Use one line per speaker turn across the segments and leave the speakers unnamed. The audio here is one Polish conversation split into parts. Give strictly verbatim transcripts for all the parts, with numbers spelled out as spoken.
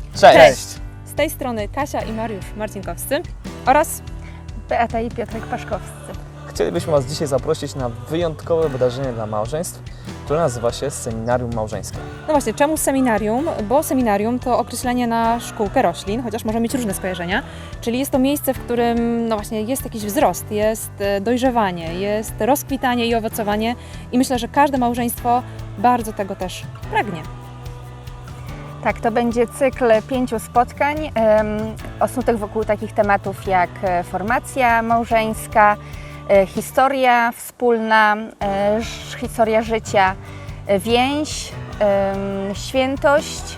Cześć!
Cześć! Z tej strony Kasia i Mariusz Marcinkowscy oraz
Beata i Piotrek Paszkowscy.
Chcielibyśmy Was dzisiaj zaprosić na wyjątkowe wydarzenie dla małżeństw, które nazywa się Seminarium Małżeńskie.
No właśnie, czemu seminarium? Bo seminarium to określenie na szkółkę roślin, chociaż może mieć różne skojarzenia. Czyli jest to miejsce, w którym no właśnie jest jakiś wzrost, jest dojrzewanie, jest rozkwitanie i owocowanie i myślę, że każde małżeństwo bardzo tego też pragnie.
Tak, to będzie cykl pięciu spotkań um, osnutych wokół takich tematów jak formacja małżeńska, e, historia wspólna, e, historia życia, e, więź, e, świętość.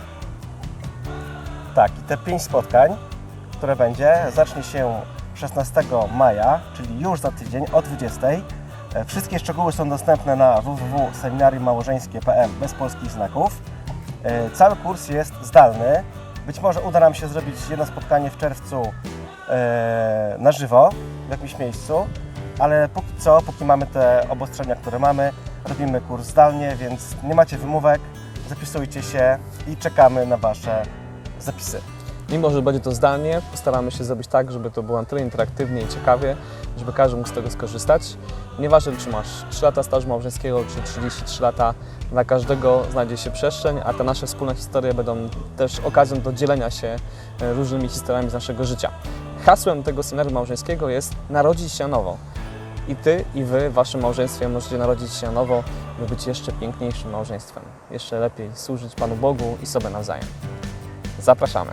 Tak, i te pięć spotkań, które będzie, zacznie się szesnastego maja, czyli już za tydzień o dwudziestej. Wszystkie szczegóły są dostępne na w w w kropka seminarium małżeńskie kropka p m bez polskich znaków. Cały kurs jest zdalny. Być może uda nam się zrobić jedno spotkanie w czerwcu na żywo w jakimś miejscu, ale póki co, póki mamy te obostrzenia, które mamy, robimy kurs zdalnie, więc nie macie wymówek, zapisujcie się i czekamy na Wasze zapisy.
Mimo że będzie to zdalnie, postaramy się zrobić tak, żeby to było na tyle interaktywnie i ciekawie, żeby każdy mógł z tego skorzystać. Nieważne, czy masz trzy lata stażu małżeńskiego, czy trzydzieści trzy lata, dla każdego znajdzie się przestrzeń, a te nasze wspólne historie będą też okazją do dzielenia się różnymi historiami z naszego życia. Hasłem tego seminarium małżeńskiego jest narodzić się na nowo. I Ty, i Wy w Waszym małżeństwie możecie narodzić się na nowo, by być jeszcze piękniejszym małżeństwem. Jeszcze lepiej służyć Panu Bogu i sobie nawzajem. Zapraszamy!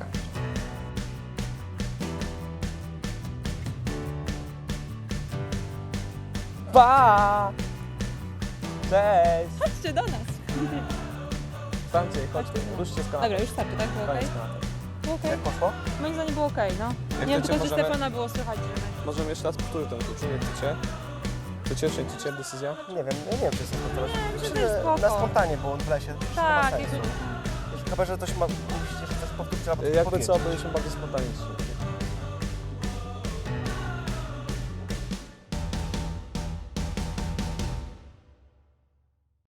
Pa! Cześć!
Chodźcie do nas!
Stańcie, chodźcie, ruszcie z kanapy.
Dobra, już starczy, tak? Było ok?
Koniec kanapy.
Było ok?
Jak poszło?
Moim zdaniem było ok, no.
Jak
Nie wiem,
chcecie,
tylko że
możemy-
Stefana było słychać, że...
Możemy jeszcze raz powtórzyć ten klucz, nie chcecie? Chcecie, czy nie chcecie decyzja?
Nie wiem, nie wiem, czy jest to teraz.
Myślę, że jest spoko.
Na spontanie, bo w lesie już
Tak,
nie ma sensu.
jakby...
Chyba, że coś ma, musicie coś powtórzyć albo
Jakby co,
powiedzieć.
byliśmy bardziej spontaniczni.